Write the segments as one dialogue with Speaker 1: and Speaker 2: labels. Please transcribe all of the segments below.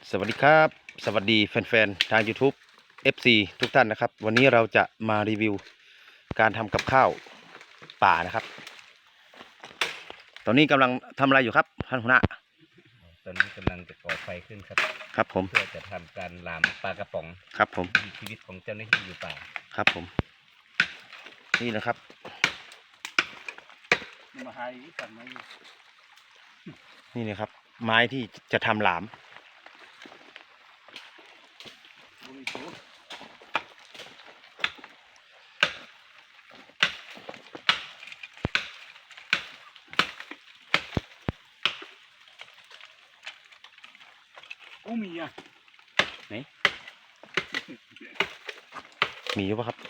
Speaker 1: สวัสดีครับสวัสดีแฟนๆทาง YouTube FC ทุกท่านนะครับวันนี้เราจะมารีวิวการทำกับข้าวป่านะครับตอนนี้กำลังทำอะไรอยู่ครับท่านหัวหน้า
Speaker 2: ตอนนี้กำลังจะก่อไฟขึ้นครับ
Speaker 1: ครับผม
Speaker 2: เพื่อจะทำการหลามปลากระป๋อง
Speaker 1: ครับผม
Speaker 2: วิถีชีวิตของเจ้าหน้าที่อยู่ป่า
Speaker 1: ครับผมนี่นะครับนี่นะครับไม้ที่จะทำหลาม
Speaker 3: มีอ่ะ
Speaker 1: ไหนมีอยู่ปะครับ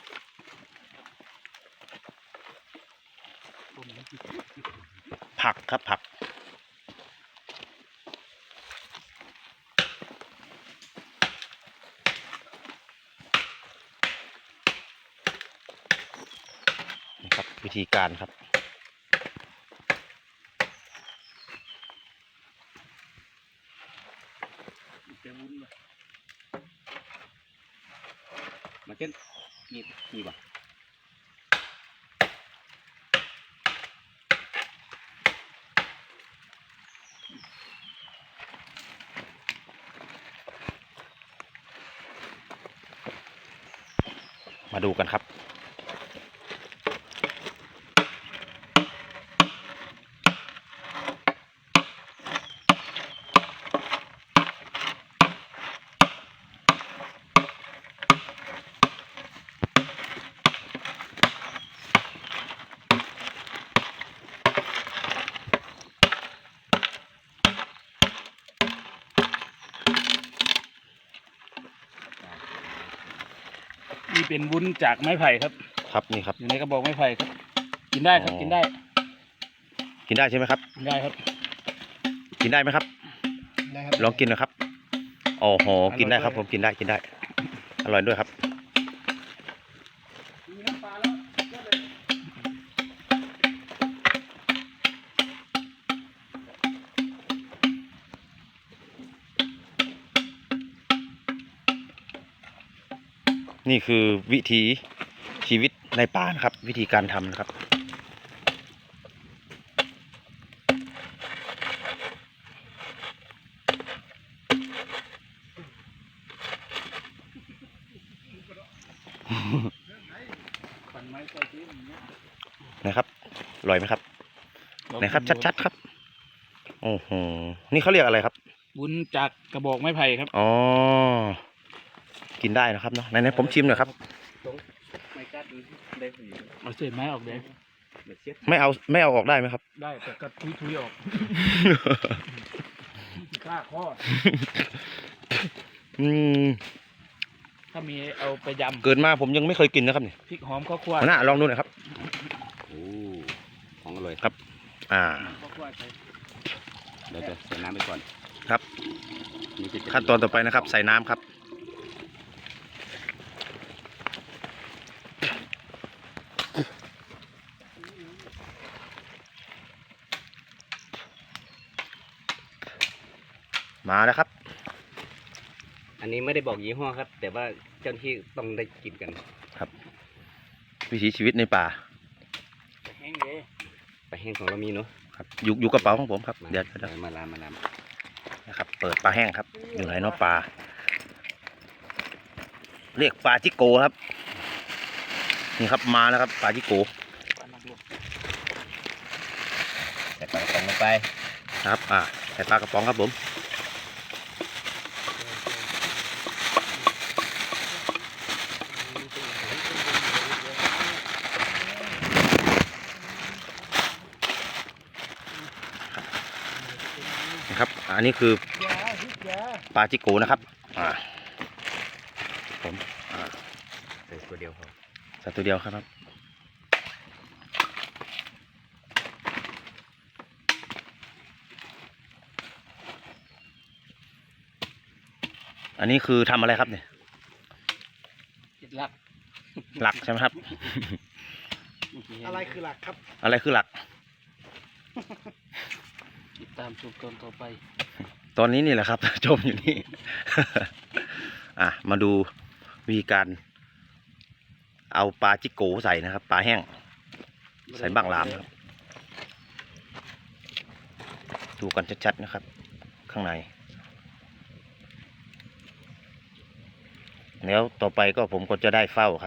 Speaker 1: ผักครับผักนี่ครับวิธีการครับ
Speaker 2: มาเช่นมีบ่
Speaker 1: มาดูกันครับ
Speaker 3: นี่เป็นวุ้นจากไม้ไผ่ครับ
Speaker 1: ครับนี่ครับ
Speaker 3: อยู่ในกระบอกไม้ไผ่ครับกินได้ครับกินได้
Speaker 1: กินได้ใช่ไหมครับ
Speaker 3: กินได้ครับ
Speaker 1: กินได้ไหมครับ
Speaker 3: ได้ครับ
Speaker 1: ลองกินนะครับโอ้โหกินได้ครับผมกินได้อร่อยด้วยครับนี่คือวิถีชีวิตในป่านะครับวิธีการทำนะครับนะครับอร่อยไหมครับนะครับชัดๆครับโอ้โหนี่เขาเรียกอะไรครับ
Speaker 3: วุ้นจากกระบอกไม้ไผ่ครับ
Speaker 1: อ๋อกินได้นะครับเนาะไหนๆผมชิมหน่อยครับ
Speaker 2: ไม่กัดได้ผี
Speaker 3: เอาเศษไม้ออกเลย
Speaker 1: ไม่เอาออกได้ไหมครับ
Speaker 3: ได้แต่ก็ทุยออกฆ่าข้อถ้ามีเอาไปยำ
Speaker 1: เกิดมาผมยังไม่เคยกินนะครับนี่
Speaker 3: พริกหอมข้าวคั่ว
Speaker 1: น่าลองดูหน่อยครับ
Speaker 2: โอ้ของอร่อย
Speaker 1: ครับ
Speaker 2: เดี๋ยวจะใส่น้ำไปก่อน
Speaker 1: ครับขั้นตอนต่อไปนะครับใส่น้ำครับมาแล้วครับ
Speaker 2: อันนี้ไม่ได้บอกยี่ห้อครับแต่ว่าเจ้าหน้าที่ต้องได้กินกัน
Speaker 1: ครับวิถีชีวิตในป่า
Speaker 3: แห้งเลย
Speaker 2: ปลาแห้งของเรามีเนาะ
Speaker 1: ครับอยู่กระเป๋าของผมครับเดี๋ยว
Speaker 2: มาลาม
Speaker 1: นะครับเปิดปลาแห้งครับอยู่ไหนเนาะปลาเรียกปลาจิโกครับนี่ครับมาแล้วครับปลาจิโก
Speaker 2: ใส่ปลากระป๋องลงไป
Speaker 1: ครับใส่ปลากระป๋องครับผมนะครับอันนี้คือปลาจิโกนะครับผม
Speaker 2: ใส่ตัวเดียวพอ
Speaker 1: ใส่ตัวเดียวครับอันนี้คือทำอะไรครับเนี่ยหลักใช่ไหมครับ
Speaker 3: อะไรคือหลักครับ
Speaker 1: อะไรคือหลัก
Speaker 3: ติดตามชมตอนต่อไป
Speaker 1: ตอนนี้นี่แหละครับ จมอยู่นี่ อ่ะมาดูวิธีการเอาปลาจิโกใส่นะครับ ปลาแห้ง ใส่บังหลามครับ ดูกันชัดๆนะครับ ข้างใน แล้วต่อไปก็ผมก็จะได้เฝ้าครับ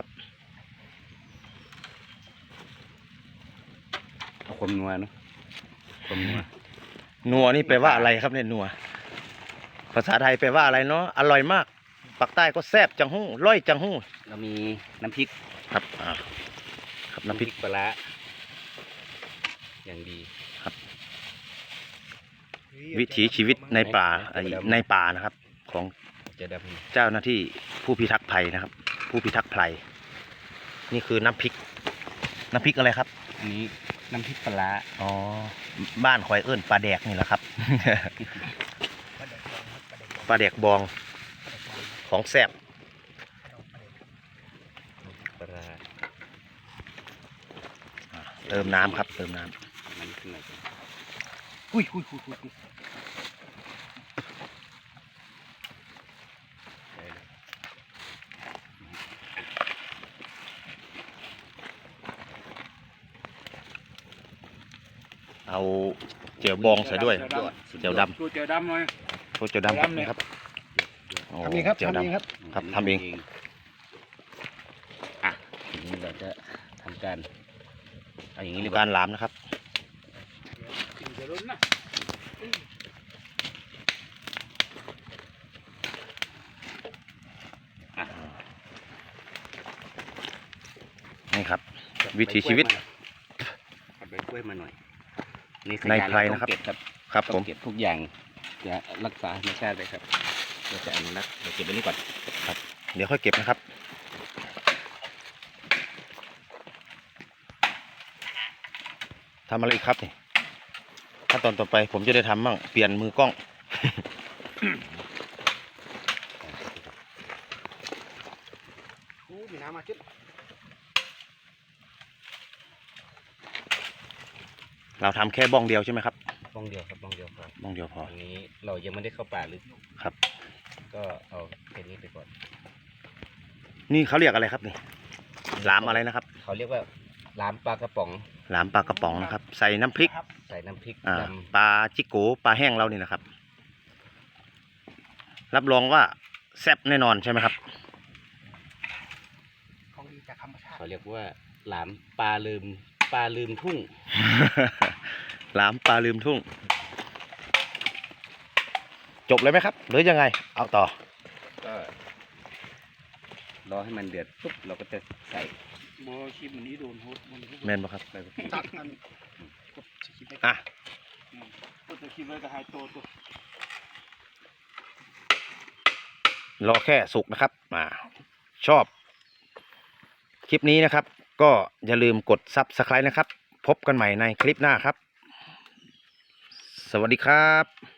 Speaker 2: เอาความนัวเนาะความนัว
Speaker 1: นัวนี่แปลว่าอะไรครับเนี่ยนัว ภาษาไทยแปลว่าอะไรเนาะ อร่อยมาก ปากใต้ก็แซ่บจังหู้ร้อยจังหู้
Speaker 2: เรามีน้ำพริก
Speaker 1: ครับครับน้ำพริก
Speaker 2: ปลาร้าอย่างดี
Speaker 1: วิถีชีวิตในป่าในป่านะครับ ของ
Speaker 2: จะด
Speaker 1: เจ้าหน้าที่ผู้พิทักษ์ภัยนะครับ ผู้พิทักษ์ภัยนี่คือน้ำพริก น้ำพริกอะไรครับ
Speaker 2: ำอันนี้น้ำพริกปลาร้า
Speaker 1: อ๋อบ้านคอยเอิ้นปลาแดกนี่แหละครับ ปลาแดกบองของแซ่บ
Speaker 2: ปลาร้า
Speaker 1: เติมน้ำครับ เติมน้
Speaker 2: มันขึ้นหน่อย
Speaker 3: อุ้ย
Speaker 1: ำเอาเจียวบองใส่ด้วยเจียวด
Speaker 3: ดูเจียวดำหน่อย
Speaker 1: ำพวกเจียวดำครับนี่ครับโ
Speaker 3: ทำเองครับ
Speaker 1: เจียว
Speaker 3: ทำเอง
Speaker 1: ดำ
Speaker 3: ครับ
Speaker 1: ครับทำเอง
Speaker 2: อ่ะทีนี้เราจะทำการเอาอย่างนี้เลย
Speaker 1: การหลามนะครับ
Speaker 3: เดี๋ยวลุ้นนะ
Speaker 1: นี่ครับ วิถีชีวิต
Speaker 2: ผัดใบกล้วยมาหน่อยนี่
Speaker 1: ใน
Speaker 2: สัญญาณ
Speaker 1: ไพรนะครับ
Speaker 2: เราต้องเก็บครับ
Speaker 1: ครับผ
Speaker 2: ต้อ
Speaker 1: ม
Speaker 2: งเก็บทุกอย่างจะรักษาธรรมชาติเลยครับเราจะอนุรักษ์เราเก็บไว้นี่ก่อน
Speaker 1: เดี๋ยวค่อยเก็บนะครับ ทำอะไรอีกครับนี่ขั้นตอนต่อไปผมจะได้ทำมั่งเปลี่ยนมือกล้อง
Speaker 3: โอ้มีน้ำมาจิ๊บ
Speaker 1: เราทำแค่บ้องเดียวใช่ไหมครับ
Speaker 2: บ้องเดียวครับบ้องเดียวพอ
Speaker 1: บ้องเดียวพอ
Speaker 2: อันนี้เรายังไม่ได้เข้าป่าลึก
Speaker 1: ครับ
Speaker 2: ก็เอาแค่นี้ไปก่อน
Speaker 1: นี่เขาเรียกอะไรครับนี่หลามอะไรนะครับ
Speaker 2: เขาเรียกว่าลามปลากระป๋อง
Speaker 1: หลามปลากระป๋องนะครับ ใส่น้ำพริก
Speaker 2: ใส่น้ำพริก
Speaker 1: อ่า
Speaker 2: ด
Speaker 1: ปลาจิโกปลาแห้งเรานี่นะครับ รับรองว่าแซ่บแน่นอนใช่ไหมครับ
Speaker 3: ของดีจากธรรมชา
Speaker 2: ำ
Speaker 3: ติ
Speaker 2: เขาเรียกว่าหลามปลาลืมทุ่ง
Speaker 1: หลามปลาลืมทุ่ง จบเลยไหมครับ หรือยังไง เอาต่อ
Speaker 2: ก็รอให้มันเดือดปุ๊บเราก็จะใส่
Speaker 3: บอคลิปนี้โดนโฮสมัน
Speaker 1: แม่นปะครับ
Speaker 3: ตัดกันกดคลิปไว้
Speaker 1: อ่ะ
Speaker 3: กดคลิปไว้ก็หายตัว
Speaker 1: รอแค่สุกนะครับ ชอบ คลิปนี้นะครับ ก็อย่าลืมกด Subscribe นะครับ พบกันใหม่ในคลิปหน้าครับ สวัสดีครับ